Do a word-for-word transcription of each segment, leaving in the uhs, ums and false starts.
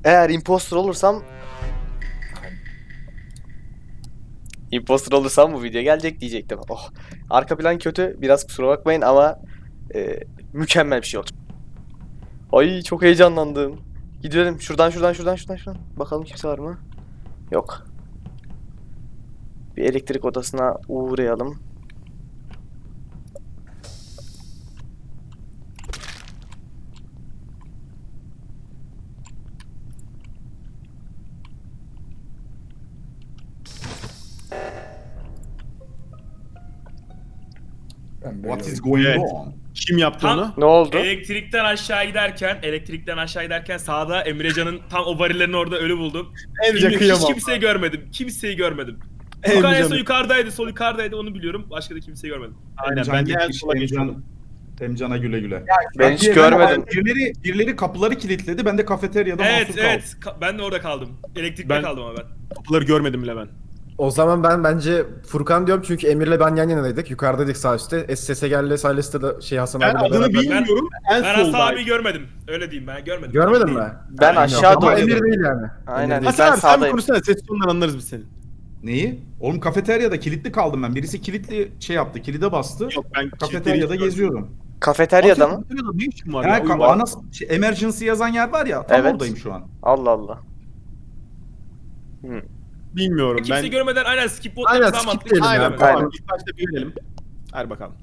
Eğer imposter olursam imposter olursam bu video gelecek diyecektim. Oh. Arka plan kötü. Biraz kusura bakmayın ama e, mükemmel bir şey olacak. Ay çok heyecanlandım. Gidelim. Şuradan şuradan şuradan şuradan şuradan. Bakalım kimse var mı? Yok. Bir elektrik odasına uğrayalım. What is going Evet. on? Kim yaptı Tam- onu? Ne oldu? Elektrikten aşağı giderken, elektrikten aşağı giderken sağda Emrecan'ın tam o varillerin orada ölü buldum. Emrecan Bilmiyorum, kıyamam. hiç kimseyi görmedim. Kimseyi görmedim. Emrecan- Yukarı en son yukarıdaydı, sol yukarıdaydı onu biliyorum. Başka da kimseyi görmedim. Aynen Emcan ben de en gitmiş, sola Emcan, geçiyordum. Emcan'a güle güle. Ben hiç Bak, görmedim. Birileri, birileri kapıları kilitledi. Ben de kafeteryada Evet, mahsur evet. Ka- ben de orada kaldım. Elektrikte Ben- kaldım ama ben. Kapıları görmedim bile ben. O zaman ben bence Furkan diyorum çünkü Emir'le ben yan yanaydık. Yukarıdaydık sağ üstte. S S G'le Silas'ta da şey Hasan Ben abiyle adını beraber. bilmiyorum. En Ben Hasan soldayım. abiyi görmedim. Öyle diyeyim ben görmedim. Görmedin Değil. mi? Ben aşağı Ama doğru. Emir değil yani. Aynen. Emir değil. Hasan Ben abi sen bir sağdayım. konuşsana. Ses tonundan anlarız biz seni. Neyi? Oğlum kafeteryada kilitli kaldım ben. Birisi kilitli şey yaptı. Kilide bastı. Yok ben Kafeteryada geziyorum. Kafeteryada mı? Kafeteryada ne işim var Ya, ya? ka- Uyuma. ana şey, emergency yazan yer var ya. Tam Evet. oradayım şu an. Allah Allah. Bilmiyorum Kimse ben. görmeden aynen skip bot Aynen, yapsam skip mantıklı. diyelim Aynen ya. Görmedim. tamam. Aynen. İlk başta bir verelim. Hadi bakalım.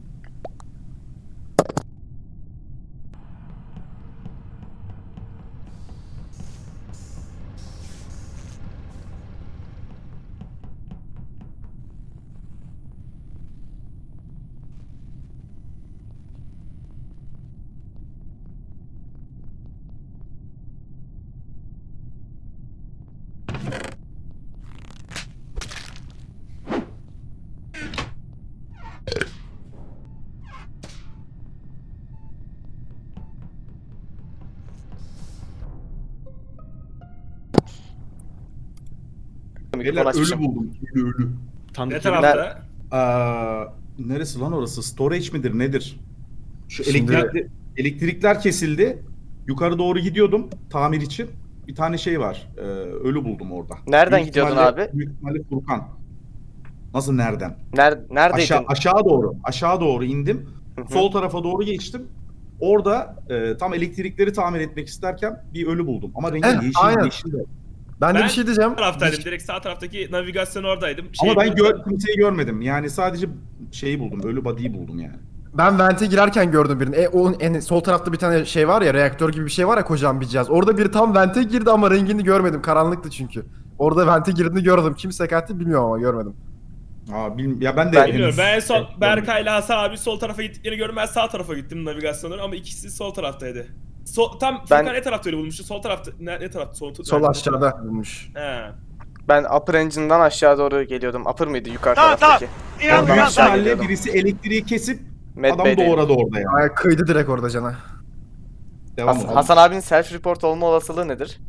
Beyler Mikrofon ölü açmışım. buldum. Ölü ölü. Tanrı Ne kim? tarafta? Aa, neresi lan orası? Storage midir nedir? Şu Şimdi- elektrikli- elektrikler kesildi. Yukarı doğru gidiyordum tamir için. Bir tane şey var. e, ölü buldum orada. Nereden Büyük gidiyordun ihtimalle- abi? Büyük ihtimalle Furkan. Nasıl nereden? Ner neredeydin? Aşağı, aşağı doğru. Aşağı doğru indim. Hı hı. Sol tarafa doğru geçtim. Orada e, tam elektrikleri tamir etmek isterken bir ölü buldum. Ama rengi Eh, yeşil, aynen. yeşil de. Ben de Ben- bir şey diyeceğim. Taraftaydım. Direkt sağ taraftaki navigasyon oradaydım. Şey Ama ben buldum. gör, kimseyi görmedim. Yani sadece şeyi buldum. Ölü body'yi buldum yani. Ben vente girerken gördüm birini. E, o en sol tarafta bir tane şey var ya, reaktör gibi bir şey var ya, kocaman bir cihaz. Orada biri tam vente girdi ama rengini görmedim. Karanlıktı çünkü. Orada vente girdiğini gördüm. Kim sekattı bilmiyorum ama görmedim. Aa, bil, ya ben de Ben- Bilmiyorum. Ben en son Evet, Berkay ile Hasan abi sol tarafa gittiklerini gördüm. Ben sağ tarafa gittim navigasyonları ama ikisi sol taraftaydı. Sol, tam Ben- Furkan ne tarafta öyle bulmuştu? Sol tarafta. Ne, ne tarafta? Sol, Sol aşağıda bulmuş. He. Ben upper engine'dan aşağı doğru geliyordum. Upper mıydı yukarı taraftaki? Yani Oradan büyük aşağı ihtimalle geliyordum. birisi elektriği kesip Med adam Bey'deydim. doğradı orada yani. Ay, kıydı direkt orada cana. Devam Has- edelim. Hasan abinin self report olma olasılığı nedir?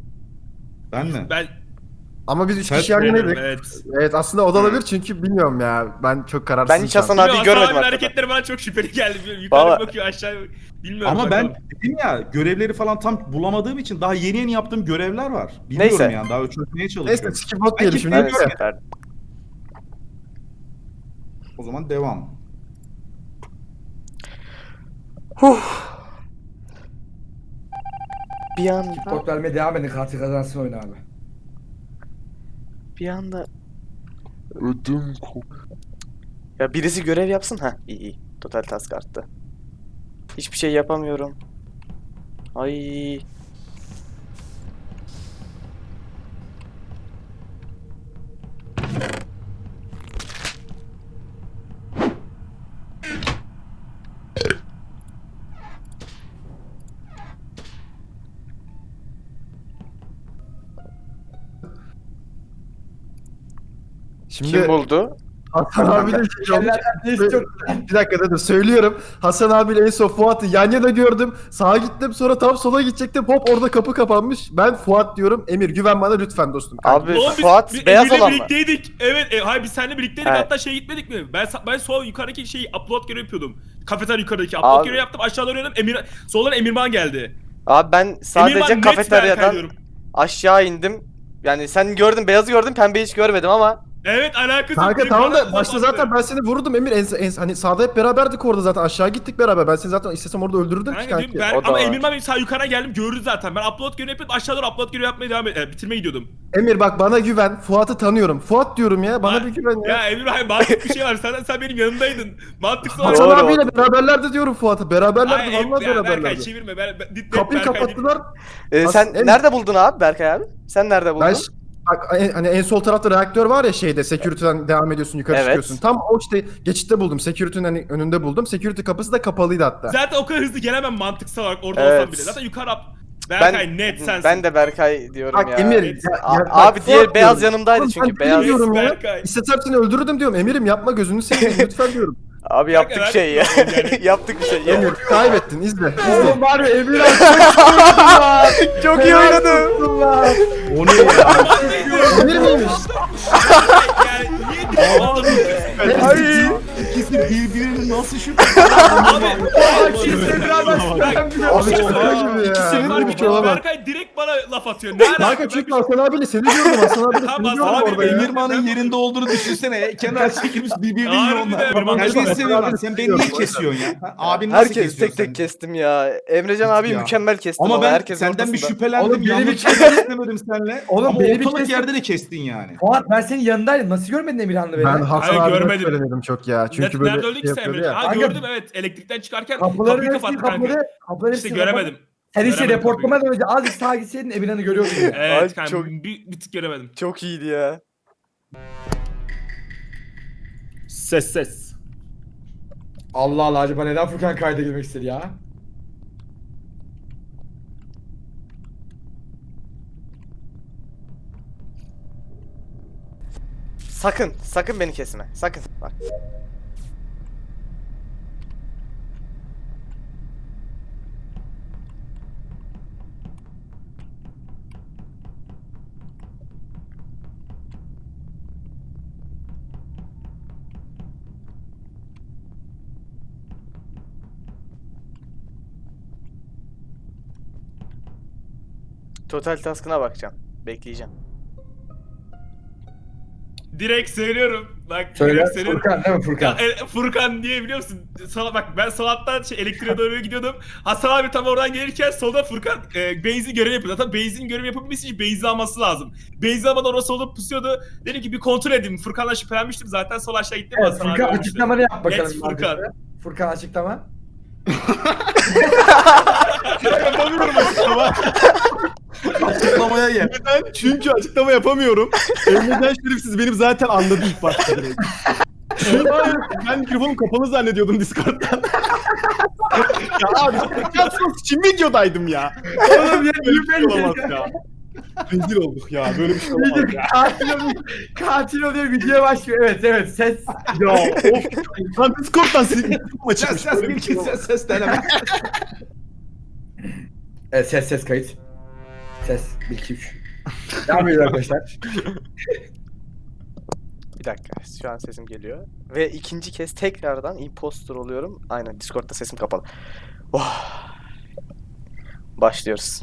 Ben mi? Ben Ama biz üç Sen kişi yan bilmiyorum, yanaydık. evet. Evet, aslında o da olabilir çünkü bilmiyorum ya. Ben çok kararsızım. Ben hiç şu an. Hasan abiyi Bilmiyorum, görmedim Hasan abinin hakikaten. hareketleri bana çok şüpheli geldi. Bilmiyorum, Yukarı Vallahi- bakıyor aşağı bilmiyorum. Ama ben bakalım. dedim ya görevleri falan tam bulamadığım için daha yeni yeni yaptığım görevler var. Bilmiyorum Neyse. yani daha çözmeye Neyse, çalışıyorum. skip bot diyelim Belki şimdi. ben- Evet, Neyse. süper. O zaman devam. Bir anda, Bot vermeye devam edin, katil kazansın oyunu abi. bir anda ödüm Ya birisi görev yapsın. Ha, iyi iyi. Total task arttı. Hiçbir şey yapamıyorum. Ay. Şimdi Kim buldu? Hasan abi de şey olmuş. Neyse çok Bir dakika dedim, söylüyorum. Hasan abiyle en son Fuat'ı yan yana gördüm. Sağa gittim, sonra tam sola gidecektim. Hop, orada kapı kapanmış. Ben Fuat diyorum. Emir, güven bana lütfen dostum. Abi Oğlum biz- Fuat biz beyaz Emir'le olan mı? birlikteydik. Evet, e, hayır biz seninle birlikteydik. Evet. Hatta şeye gitmedik mi? Ben sa- ben sol yukarıdaki şeyi upload görevi yapıyordum. Kafeterya yukarıdaki upload Abi- görevi yaptım. Aşağı doğru yöneldim. Emir soldan Emirman geldi. Abi ben sadece Emirman net Berkay kafeteryadan diyorum. Aşağı indim. Yani sen gördün, beyazı gördün, pembeyi hiç görmedim ama Evet alakası yok. Kanka Direkt tamam bana da laf başta attı. zaten ben seni vurdum Emir. En, en, hani sağda hep beraberdik orada zaten. Aşağı gittik beraber. Ben seni zaten istesem orada öldürürdüm ki Kanka, kanki. ben, o da ama var. Emirman benim sağ yukarı geldim gördü zaten. Ben upload görevi yapıp aşağı doğru upload görevi yapmaya devam et, e, bitirmeye gidiyordum. Emir bak bana güven. Fuat'ı tanıyorum. Fuat diyorum ya. Bana Ha- bir güven ya. Ya Emirman mantıklı bir şey var. Sen, sen benim yanımdaydın. Mantıksız olarak. Hasan Doğru. abiyle beraberlerdi diyorum Fuat'ı. Beraberlerdi Hayır, vallahi ya Berkay beraberlerdi. çevirme. Ben, ben, dit- Kapıyı Berkay kapattılar. Ee, As- sen Emir- nerede buldun abi Berkay abi? Sen nerede buldun? Ben ş- bak en- hani en sol tarafta reaktör var ya şeyde security'den devam ediyorsun yukarı Evet. çıkıyorsun. Tam o işte geçitte buldum. Security'nin hani önünde buldum. Security kapısı da kapalıydı hatta. Zaten o kadar hızlı gelemem mantıksal olarak orada Evet. olsam bile. Zaten yukarı up. Berkay net sensin. Ben de Berkay diyorum Bak ya. Emir. Evet. ya- A- ya bak, abi diğer Fuat beyaz diyorum. yanımdaydı Oğlum çünkü ben beyaz. diyorum ya. Berkay. İstesem seni öldürürdüm diyorum. Emirim yapma gözünü seveyim lütfen diyorum. Abi yaptık Berkay, şey ya. yani- yaptık bir şey ya. Emir kaybettin izle. Oğlum var ya Emir abi Çok iyi oynadı. O ne ya? Emir miymiş? Yani niye direkt anlamıyorsun? Ay. İkisi birbirini nasıl şüphe? Abi. Abi şaka gibi ya. İkisinin Böyle bir şey olamaz. Berkay direkt bana laf atıyor. Ne alaka? Kanka çünkü Hasan abiyle seni diyordum. Hasan abiyle Tamam, seni diyordum Hasan abi orada ya. Emirman'ın yerinde olduğunu düşünsene. Kenar çekilmiş birbirini Harbiden yiyor onlar. Emirman Herkes çok- seviyor. Sen beni niye kesiyorsun ya? Ha, Abin nasıl Herkes kesiyor tek tek seni? kestim ya. Emrecan abi Ya. mükemmel kestim ama, Ama ben herkes senden bir ortasında. şüphelendim. Oğlum beni Yanlış bir bir şey istemedim seninle. Oğlum Ama beni bir ortalık kestin. yerde de kestin yani. Fuat ben senin yanındaydım. Nasıl görmedin Emirhan'la beni? Ben Hasan Hayır, abime görmedim. söylemedim çok ya. Çünkü Nerede, böyle nerede öldük şey sen yapıyordu Emre? ya. Ha Kanka- gördüm evet elektrikten çıkarken Kapıları kapıyı hepsini kapattı kanka. kapıları. Kapıları İşte hepsini kapat- göremedim. Sen işte Göremedim reportlamadan önce azıcık sağa gitseydin Emirhan'ı görüyordun ya. Evet Ay, kanka çok- bir, bir tık göremedim. Çok iyiydi ya. Ses ses. Allah Allah acaba neden Furkan kayda girmek istedi ya? Sakın, sakın beni kesme. Sakın. Bak. Total task'ına bakacağım. Bekleyeceğim. Direkt söylüyorum. Bak Söyle direkt söylüyorum. Furkan değil mi Ya, Furkan? e, Furkan diye biliyor musun? Sana bak ben Salat'tan şey, elektriğe doğru gidiyordum. Hasan abi tam oradan gelirken solda Furkan e, benzin görevi yapıyor. Zaten benzin görevi yapabilmesi için benzin alması lazım. Benzin almadan orası solda pusuyordu. Dedim ki bir kontrol edeyim. Furkan'la şüphelenmiştim zaten sol aşağı gittim. Evet, Hasan abi Furkan ölmüştü. açıklamanı yap bakalım. Net Furkan. arkadaşlar. Furkan açıklama. Yapamıyorum açıklama. Açıklamaya gel. Neden? Çünkü açıklama yapamıyorum. Emrecan şerifsiz benim zaten anladı ilk başta direkt. Çünkü ben mikrofonum kapalı zannediyordum Discord'dan. Ya abi Discord'dan için videodaydım ya. Oğlum ya Böyle bir şey olamaz ya. Rezil olduk ya. Böyle bir şey olamaz ya. katil oluyor. Katil oluyor videoya başlıyor. Evet evet ses. Ya of. Lan Discord'dan sildim Ses açıkmış. ses Böyle bir bir şey ses olamaz. ses ses deneme. Evet ses ses kayıt. Ses bir iki üç. Devam ediyor arkadaşlar. Bir dakika. Şu an sesim geliyor. Ve ikinci kez tekrardan imposter oluyorum. Aynen Discord'da sesim kapalı. Oh. Başlıyoruz.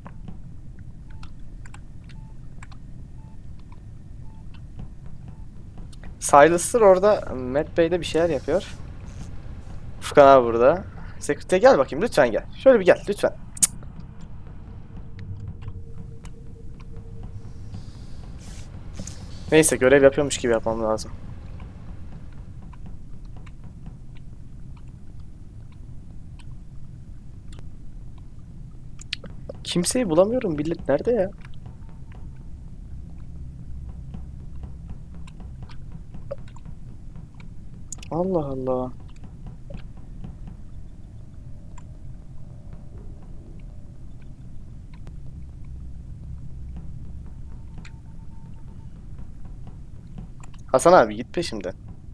Silas'tır orada. Matt Bey de bir şeyler yapıyor. Furkan abi burada. Security'ye gel bakayım lütfen gel. Şöyle bir gel lütfen. Cık. Neyse görev yapıyormuş gibi yapmam lazım. Kimseyi bulamıyorum. Millet nerede ya? Allah Allah. Hasan abi git peşimden.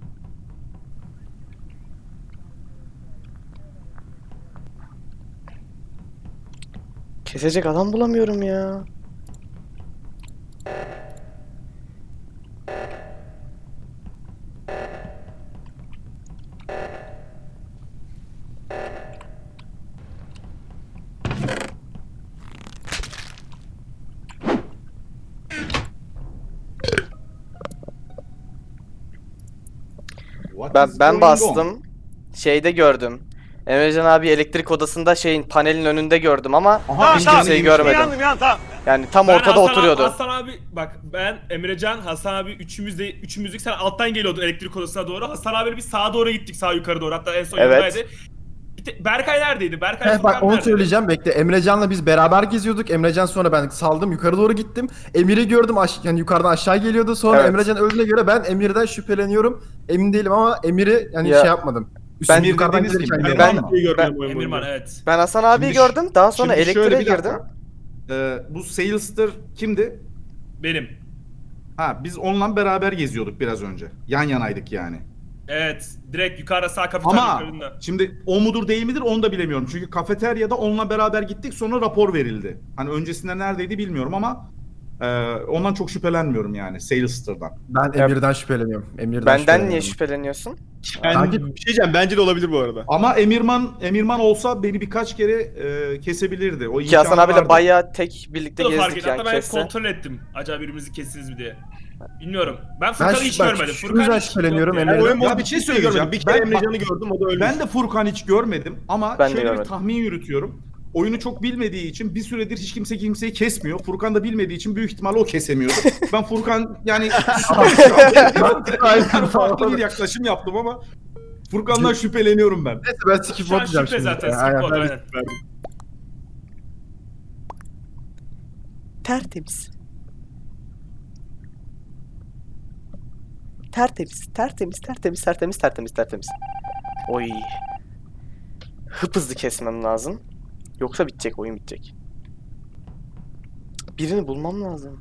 Kesecek adam bulamıyorum ya. Ben Is ben going bastım. Şeyde gördüm. Emrecan abi elektrik odasında şeyin panelin önünde gördüm ama on. Aha, hiç Emrecan kimseyi iyiymiş. görmedim. Yani tam Ben ortada Hasan oturuyordu. Abi, Hasan abi bak ben Emrecan, Hasan abi üçümüz de üçümüzdük, sen alttan geliyordun elektrik odasına doğru. Hasan abiyle biz sağa doğru gittik, sağ yukarı doğru. Hatta en son Evet. yanındaydı. Bir te- Berkay neredeydi? Berkay Heh, bak Furkan onu neredeydi? söyleyeceğim, bekle. Emrecan'la biz beraber geziyorduk. Emrecan sonra ben saldım, yukarı doğru gittim. Emir'i gördüm, aş yani yukarıdan aşağı geliyordu. Sonra Evet. Emrecan öldüğüne göre ben Emir'den şüpheleniyorum. Emin değilim ama Emir'i yani Ya, şey yapmadım. ben Üstüne yukarıdan dediğiniz gelirken gibi, gördüm. ben- ama. Bir gördüm Ben- o oyun Emirman boyunca. evet. Ben Hasan abiyi Şimdi ş- gördüm. Daha sonra Şimdi şöyle elektriğe bir dakika. girdim. Ee, bu Salester kimdi? Benim. Ha, biz onunla beraber geziyorduk biraz önce. Yan yanaydık yani. Evet. Direkt yukarıda sağ kapitan Ama yukarında. şimdi o mudur değil midir onu da bilemiyorum. Çünkü kafeteryada onunla beraber gittik, sonra rapor verildi. Hani öncesinde neredeydi bilmiyorum ama e, ondan çok şüphelenmiyorum yani Salester'dan. Ben Emir'den şüpheleniyorum. Emir'den Benden şüpheleniyorum. niye şüpheleniyorsun? Ben Kanki- bir şey diyeceğim, bence de olabilir bu arada. Ama Emirman Emirman olsa beni birkaç kere e, kesebilirdi. O Ki Hasan imkanı abiyle vardı. bayağı tek birlikte Bu da fark gezdik etti. yani Hatta ben kesse. kontrol ettim. Acaba birbirimizi kestiniz mi diye. Bilmiyorum. Ben Ben Furkan'ı şu- hiç bak, görmedim. şu Furkan yüzden hiç şüpheleniyorum, yok Emre. yani. Ben Ya oyun boyunca bir bir şey şey söyleyeceğim. söyleyeceğim. Bir kere Ben- Emrecan'ı gördüm, o da öldü. Ben de Furkan hiç görmedim ama Ben de şöyle bir görmedim. tahmin yürütüyorum. Oyunu çok bilmediği için bir süredir hiç kimse kimseyi kesmiyor. Furkan da bilmediği için büyük ihtimalle o kesemiyordu. Ben Furkan yani yani farklı bir yaklaşım yaptım ama Furkan'dan şüpheleniyorum ben. Neyse ben skip Şu an atacağım şüphe şimdi. zaten. Aynen. Skip oldu, aynen. Tertemiz. Tertemiz, tertemiz, tertemiz, tertemiz, tertemiz, tertemiz. Oy. Hıp hızlı kesmem lazım. Yoksa bitecek, oyun bitecek. Birini bulmam lazım.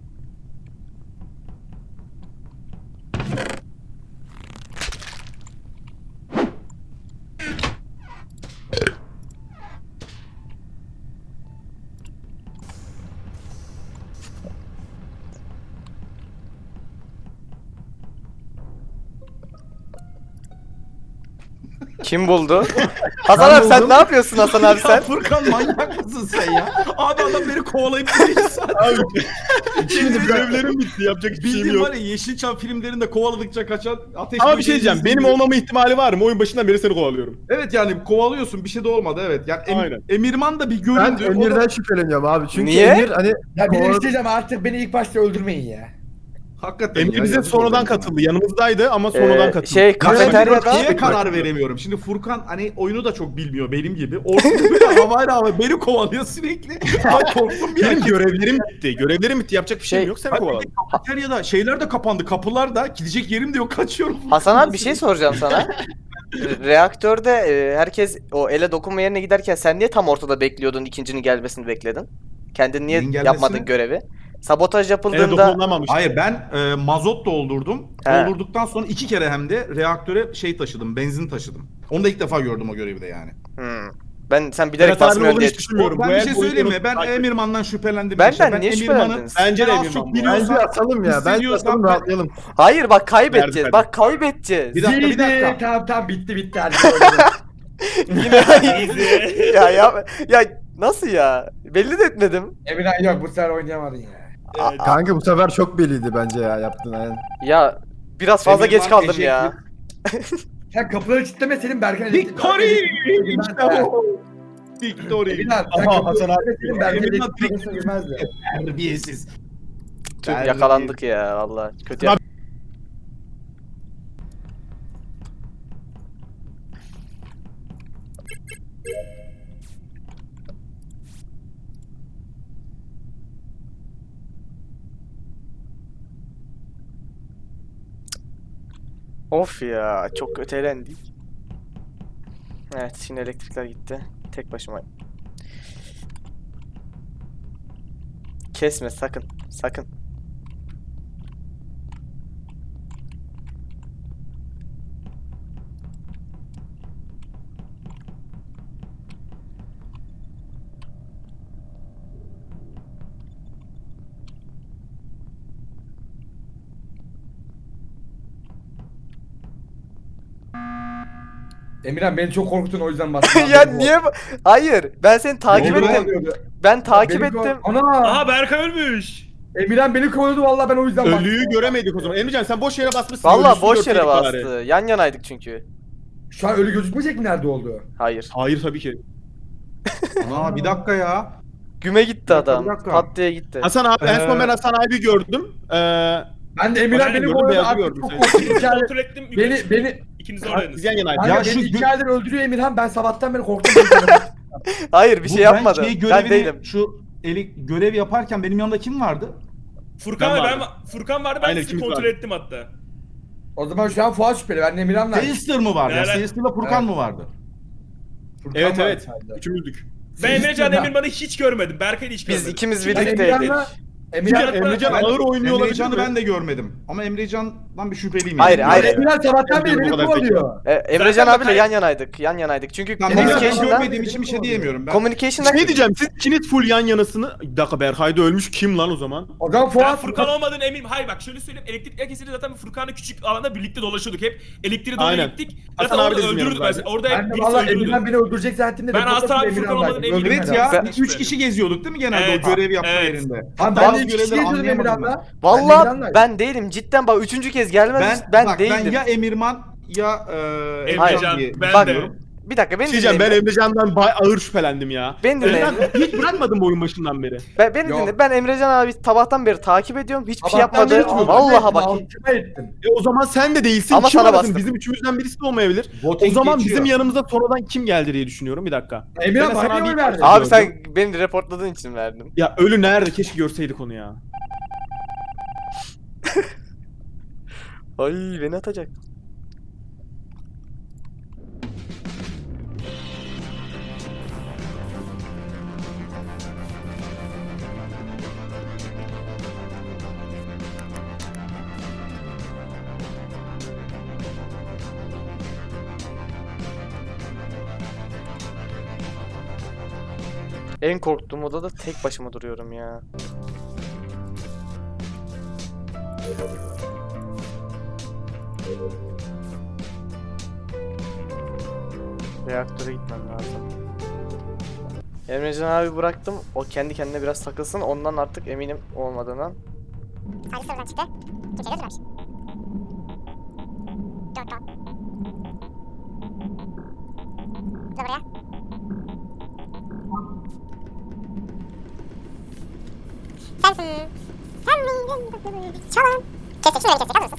Kim buldu? Hasan Ben abi sen buldum. ne yapıyorsun Hasan abi Ya sen? Furkan manyak mısın sen ya? Abi adam beni kovalayıp duruyor zaten. Şimdi görevlerim bitti, yapacak hiçbir şeyim Bildiğin yok. var ya Yeşilçam filmlerinde kovaladıkça kaçan ateş Ama bir böceği şey diyeceğim, izlediğim benim gibi. olmama ihtimali var mı? Oyun başından beri seni kovalıyorum. Evet yani kovalıyorsun, bir şey de olmadı, evet. Yani Em- Aynen. Emirman da bir Ben göründü. o da- Emir'den şüpheleniyorum abi. Çünkü Niye? Emir hani Ya bir de bir Kovala- şey diyeceğim, artık beni ilk başta öldürmeyin ya. Hakikaten Emir ya, bize yazık sonradan oldu insana. katıldı. Yanımızdaydı ama sonradan Ee, katıldı. şey Ben kafeteryada niye karar veremiyorum? Şimdi Furkan hani oyunu da çok bilmiyor benim gibi. Ortada böyle havayla hava beni kovalıyor sürekli. Ben korktum bir Benim an. görevlerim bitti. Görevlerim bitti. Yapacak bir şeyim Şey- yok. Seni Hadi kovaladım. kafeteryada şeyler de kapandı. Kapılar da gidecek yerim de yok, kaçıyorum. Hasan abi bir şey soracağım sana. Re- Reaktörde e, herkes o ele dokunma yerine giderken sen niye tam ortada bekliyordun, ikincinin gelmesini bekledin? Kendin niye Neyin gelmesini? yapmadın görevi? Sabotaj Ele yapıldığında dokunulamamış. Hayır ben e, mazot doldurdum. He. Doldurduktan sonra iki kere hem de reaktöre şey taşıdım, benzin taşıdım. Onu da ilk defa gördüm o görevi de yani. Hmm. Ben sen bilerek Berat abinin basmıyorsun olduğunu diye hiç düşünmüyorum. Ben Bu bir el şey boyutunu söyleyeyim mi? Ben takip- Emirman'dan şüphelendim. Benden Ben niye Emirman'ı şüphelendiniz? Bence de ben az Emirman çok bu. bence biliyorsam atalım ya. Bence hissediyorsam atalım ben- rahatlayalım. Hayır bak kaybedeceğiz. Verdi, Bak kaybedeceğiz. Bir dakika bir Bitti, dakika. Tamam tamam bitti bitti. Hadi öldürün. Yine Easy. ya ya ya nasıl ya? Belli de etmedim. Emirhan yok, bu sefer oynayamadın ya. Evet. Kanka bu sefer çok belliydi bence ya yaptın aynen. Ya biraz fazla Emirman geç kaldım teşekkür. ya. Sen kapıları kilitlemeseydin Berkan... Victory! Emirhan- İşte bu. Victory. Emirhan sen Aha, kapıları Hasan abi. kilitlemeseydin Berkan Emirhan elektrik odasına girmezdi. Terbiyesiz. Tüh, Ben- yakalandık ya valla. Kötü. Abi- Of ya çok ötelendik. Evet şimdi elektrikler gitti. Tek başıma. Kesme sakın. Sakın. Emirhan beni çok korkuttun, o yüzden bastım. ya niye bu- Hayır ben seni takip oldu be? ettim. Ben takip Beni kork- ettim. Ana! Aha Berkay ölmüş. Emirhan beni kovaladı vallahi ben o yüzden baktım. Ölüyü göremedik o zaman. Emrecan sen boş yere basmışsın. Valla ölüsünü boş yere görseydik bastı. bari. Yan yanaydık çünkü. Şu an ölü gözükmeyecek mi nerede olduğu? Hayır. Hayır tabii ki. Aa bir dakika ya. Güme gitti Bir dakika, adam. bir dakika. Pat diye gitti. Hasan abi en son Ee, ben Hasan abi gördüm. Ee, Ben de Emirhan Ben beni gördüm, kovaladı beyazı artık gördüm çok seni. korktum. İkinizi İçeride- kontrol ettim. Beni beni İkiniz biz oradaydınız. yan yanaydık. Kanka Ya beni şu iki gö- aydır öldürüyor Emirhan. Ben sabahtan beri korktum. Hayır bir Bu şey yapmadı. Ben, şey Ben görevini, değilim. Şu eli, görev yaparken benim yanımda kim vardı? Furkan Ben ve ben, vardım. Furkan vardı ben Aynen, sizi ikimiz kontrol vardık. ettim hatta. O zaman şu an Fuat şüpheli. Ben de Emirhan'la. Seyster mı vardı? Ya? Evet. Seyster'la Furkan Evet. mı vardı? Furkan Evet var evet. içeride. Üçümüzdük. Ben Emrecan Emirhan- Emirman'ı hiç görmedim. Berkay'ı hiç Biz görmedim. ikimiz Ben birlikteydik. Emirhan'la Emirhan, Çünkü Emrecan Ben- ağır oynuyor olabilir Emrecan'ı mi? ben de görmedim. Ama Emrecan'dan bir şüpheliyim. Hayır, yani. hayır. Emirhan sabahtan beri Bu beni kadar kovalıyor. E, Emrecan Zaten abiyle bak- yan yanaydık. Yan yanaydık. Çünkü Tamam, Emrecan'ı communication'da görmediğim için bir şey diyemiyorum. Ben communication'da Şey diyeceğim siz ikiniz full yan yanasını... Bir dakika Berkay da ölmüş kim lan o zaman? O zaman Ben Fuat Furkan olmadığını eminim. Hayır bak şöyle söyleyeyim. Elektrik kesinlikle zaten Furkan'la küçük alanda birlikte dolaşıyorduk hep. Elektriğe doğru Aynen. gittik. Hasan Zaten abi de orada bizim öldürürdük yanımızdaydı. mesela. Orada Ben de birisi valla öldürürdü. Emirhan beni öldürecek zannettim de. Ben reportajda Hasan abi Emirhan Furkan var. olmadığını eminim. Evet Öldürmeden. ya, Ben- üç kişi geziyorduk değil mi genelde Evet, o görev yapma evet. yerinde? Abi ben Bazı de iki kişi görevleri geziyordum anlayamadım Emirhan'la. ben. Valla Emirhan'la- ben değilim. Cidden bak üçüncü kez gelmez. Ben, Ben, bak, değildim. ben ya Emirman ya e, Emrecan, diye ben Bak, de. düşünüyorum. Bir dakika beni Bir şey diyeceğim ben dinleyin. Emrecan'dan bay ağır şüphelendim ya. Beni dinleyin. Ben hiç bırakmadım bu oyun başından beri. Ben, beni Yok. dinle. Ben Emrecan abi sabahtan beri takip ediyorum. Hiçbir şey Sabahtan yapmadı. beri altıma Vallahi ettim, bak. altıma ettim. E o zaman sen de değilsin. Ama kim sana arasın? bastım. Bizim üçümüzden birisi de olmayabilir. Voting O zaman geçiyor. bizim yanımıza sonradan kim geldi diye düşünüyorum. Bir dakika. Emirhan Ben bana Hasan niye abi- oy verdin? Abi gördüm. sen beni reportladığın için verdim. Ya ölü nerede? Keşke görseydik onu ya. Ay beni atacak. En korktuğum odada tek başıma duruyorum ya. Reaktöre gitmem lazım. Emrecan abi bıraktım. O kendi kendine biraz takılsın. Ondan artık eminim olmadığından. Salih oradan çıktı. Kimse gözükmemiş. Dört puan. Dur buraya. Sensin. Sen miydin? Çalın. Kestik şunu kestik. Hazır mısın?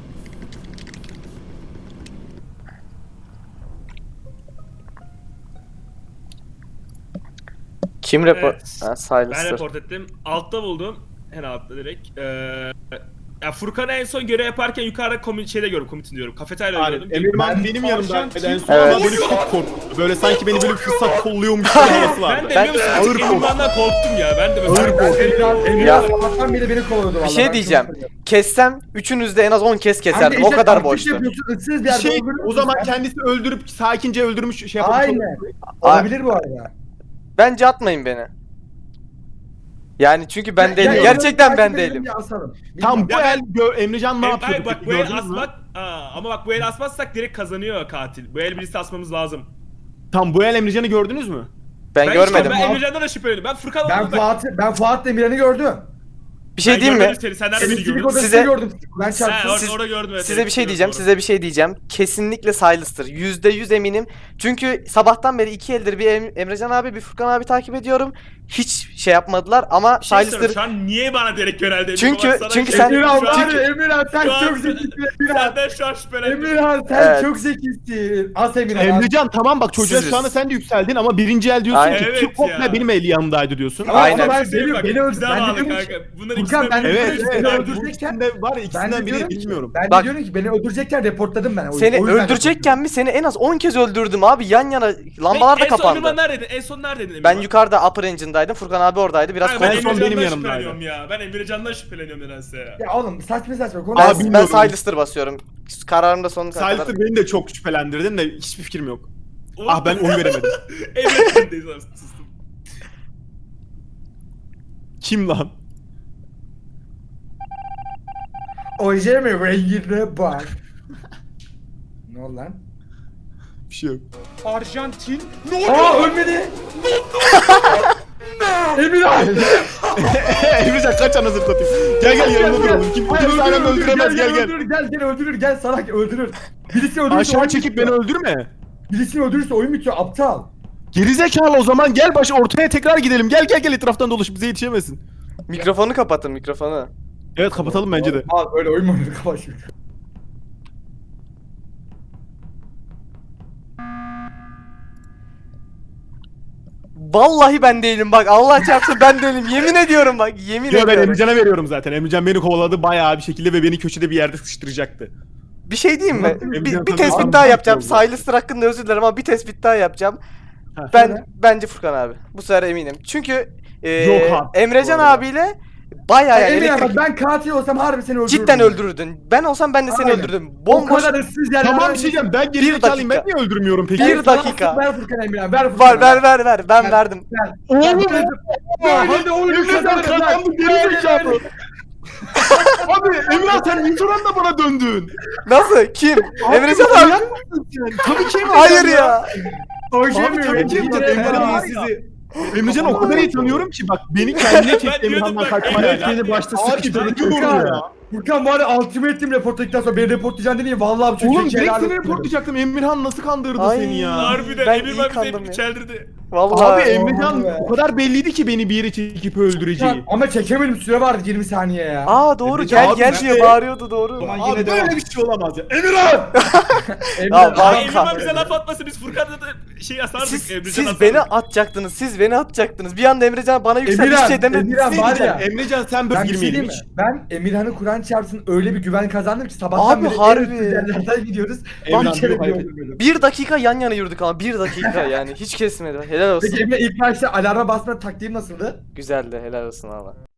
Kim report? Evet. Ha, Ben Silas'tır. report ettim. Altta buldum. En altta direkt. Ee, ya Furkan'ı en son görev yaparken yukarıda komün şeyde gördüm. Komitin diyorum. Kafeteryada Aynen. gördüm. Emirman Ben benim tavşan yanımdaydı. En kim- son Evet. ama böyle çok korktu. Böyle sanki beni böyle fırsat kolluyormuş bir havası vardı. Ben de Ben- biliyor musun? Ağır Ağır Emirman'dan korktum ya. Ben de Ağır mesela. korktum. Emirhan, Ya. Emirhan sabahtan beri beni kovalıyordu valla. Bir şey ben diyeceğim. çok seviyorum. Kessem üçünüz de en az on kez Hem de keserdim. O işte kadar taktik boştu. yapıyorsun, ıssız bir Bir yerde şey öldürürsün o zaman sen. kendisi öldürüp sakince öldürmüş şey yapmış. Aynen. Olabilir bu arada. Bence atmayın beni. Yani çünkü ben Ya- değilim. ya Gerçekten ben takip edelim değilim. diye asalım. Tam bu Ya el gö- Emrecan ne Em- yapıyor? Hayır bak bu peki, el gördünüz mü? asmak. Aa, ama bak bu el asmazsak direkt kazanıyor katil. Bu el birisi asmamız lazım. Tam bu el Emrecan'ı gördünüz mü? Ben, Ben görmedim. Işte, ben Emrecan'dan da şüpheleniyorum. Ben Furkan Ben olduğunu bak. Fuat, ben Fuat Demirhan'ı gördüm. Bir şey Ben diyeyim mi? görmedim Seni. Sen nerede beni Elektrik gördün? odasını Size- gördüm. Ben Ha, çarptım. orada, Siz- orada gördüm. evet, Size bir şey evet, diyeceğim, doğru. size bir şey diyeceğim. Kesinlikle Silas'tır. Yüzde yüz eminim. Çünkü sabahtan beri iki eldir bir Em- Emrecan abi, bir Furkan abi takip ediyorum. Hiç şey yapmadılar ama Bir şey Silas'tır. soruyorum, şu an niye bana direkt yöneldi? Çünkü- Bak sana çünkü şey- sen- Emirhan Şu an- var ya Emirhan sen şu an- çok zekisin Emirhan. Senden şu an şüphelendim. Emirhan sen Evet. çok zekisin. As Emirhan. as. Emrecan tamam bak çocuğa Siziz. şu anda sen de yükseldin ama birinci el diyorsun Aynen. ki Evet Türk komple ya. benim el yanımdaydı diyorsun. Ama, Aynen. ama ben Şey seviyorum. bak, Beni öldür. bize Ben de bağlı diyorum ki. kanka. Bunların Furkan, ikisinden ben de biri- Evet Seni evet. Bu öldürecekken- ikisinde var Ben de ikisinden diyorum biri ki, bilmiyorum. ben de Bak- diyorum ki beni öldürecekken reportladım ben. O- Seni o yüzden öldürecekken mi seni en az on kez öldürdüm abi, yan yana lambalar da en son kapandı. Emirman neredeydin? En son neredeydin Ben Emirman? yukarıda upper engine'daydım. Furkan abi oradaydı. Biraz Kanka, ben en son konuştuk. benim Emrecan'dan yanımdaydı. şüpheleniyorum ya. Ben Emrecan'dan şüpheleniyorum nedense ya. Ya oğlum saçma saçma konu. Ben, Abi ben bilmiyorum. Silas'tır basıyorum. Kararımda sonuna kadar. Silas'ı beni de çok şüphelendirdin de hiçbir fikrim yok. Oğlum- Ah ben oy veremedim. Emrecan'dayız abi sustum. Kim lan? Oje mi rengine bak. Ne oldu lan? Bir şey yok. Arjantin. Aa ölmedi. Emirhan. Emrecan kaç anasını anasını satayım. Gel gel yanımda duralım. Kim kimse aynı anda öldüremez gel gel. Öldürür, gel gel öldürür gel salak öldürür. Birisi öldürürse Aşağı oyun çekip beni bitiyor. öldürme. Birisi öldürürse oyun bitiyor aptal. Gerizekalı o zaman gel baş ortaya tekrar gidelim. Gel gel gel etraftan dolaş bize yetişemezsin. Mikrofonu kapatın mikrofonu. Evet kapatalım bence de. Abi öyle oyun mu oynanır kapat şunu. Vallahi ben değilim bak Allah çarpsın ben değilim yemin ediyorum bak yemin Yo, ben ediyorum. Emrecan'a veriyorum zaten. Emrecan beni kovaladı bayağı bir şekilde ve beni köşede bir yerde sıkıştıracaktı. Bir şey diyeyim mi? Emrecan Bir, bir tabii tespit abi, daha çok yapacağım. oldu. Silas'tır hakkında özür dilerim ama bir tespit daha yapacağım. Ha. Ben bence Furkan abi. Bu sefer eminim. Çünkü e, Yok abi, Emrecan bu arada. abiyle bayağı yani Emin elektrik- bak ben katil olsam harbi seni öldürürdüm. cidden öldürürdün. Ben olsam ben de seni Aynen. öldürdüm. O Bomboş. kadar ıssız yerlerden... Tamam bir şey diyeceğim ben gerizekalıyım ben dakika. niye öldürmüyorum peki? Bir dakika. Ver Furkan Emirhan ver Furkan. Var ver ver ver. Ben Ver. verdim. Oğlum. Hadi Böyle de oyunu Emrecan kazanırız lan. kazandı gerizekalı. Abi Emrah sen ilk oranda bana döndün. Nasıl? Kim? Emrecan abi. manyak mısın sen? Tabii ki Emrecan Hayır ya. Oynayamıyor. Abi tabii ki Yemin Emrecan. ederim Emrecan var iyi ya. sizi. Emrecan'ı o kadar iyi tanıyorum ki bak beni kendine çekti Ben diyordum Emirhan'dan bak, kaçmaya. evet, Beni başta Abi sıkıştırdı. dur ya. Furkan var ya ultimate team reportladıktan sonra beni reportlayacaksın dedi ya vallahi bu çocuk Oğlum direkt helal seni olsun dedim. reportlayacaktım. Emirhan nasıl kandırdı Ay. seni ya? Harbiden Ben Emir iyi bak kandım bizi ya. çeldirdi. Vallahi. Abi Emrecan be. o kadar belliydi ki beni bir yere çekip öldüreceği. Furkan, ama çekemedim süre vardı yirmi saniye ya. Aa doğru Emrecan gel abi gel işte- diye bağırıyordu doğru. Zaman Abi yine devam. böyle bir şey olamaz ya. Emirhan! Emirhan, Ya bak- Abi abi, Emir bak bize laf atmasın biz Furkan'la da şey asardık. Siz, Emrecan siz asardık. beni atacaktınız. Siz beni atacaktınız. Bir anda Emrecan bana yükseldi Emirhan, bir şey demediniz. Emirhan var ya. Emrecan sen böyle Ben bir şey girmeyelim diyeyim mi? hiç. Ben Emirhan'ı Kur'an çarpsın öyle bir güven kazandım ki sabahtan Abi beri harbi. en üstün yerlerden gidiyoruz. Emirhan, Bir kere yok, bile hayır. öldürmedim. Bir dakika yan yana yürüdük ama bir dakika yani hiç kesmedi. Helal olsun. Peki Emre ilk başta alarma basma taktiğim nasıldı? Güzeldi helal olsun valla.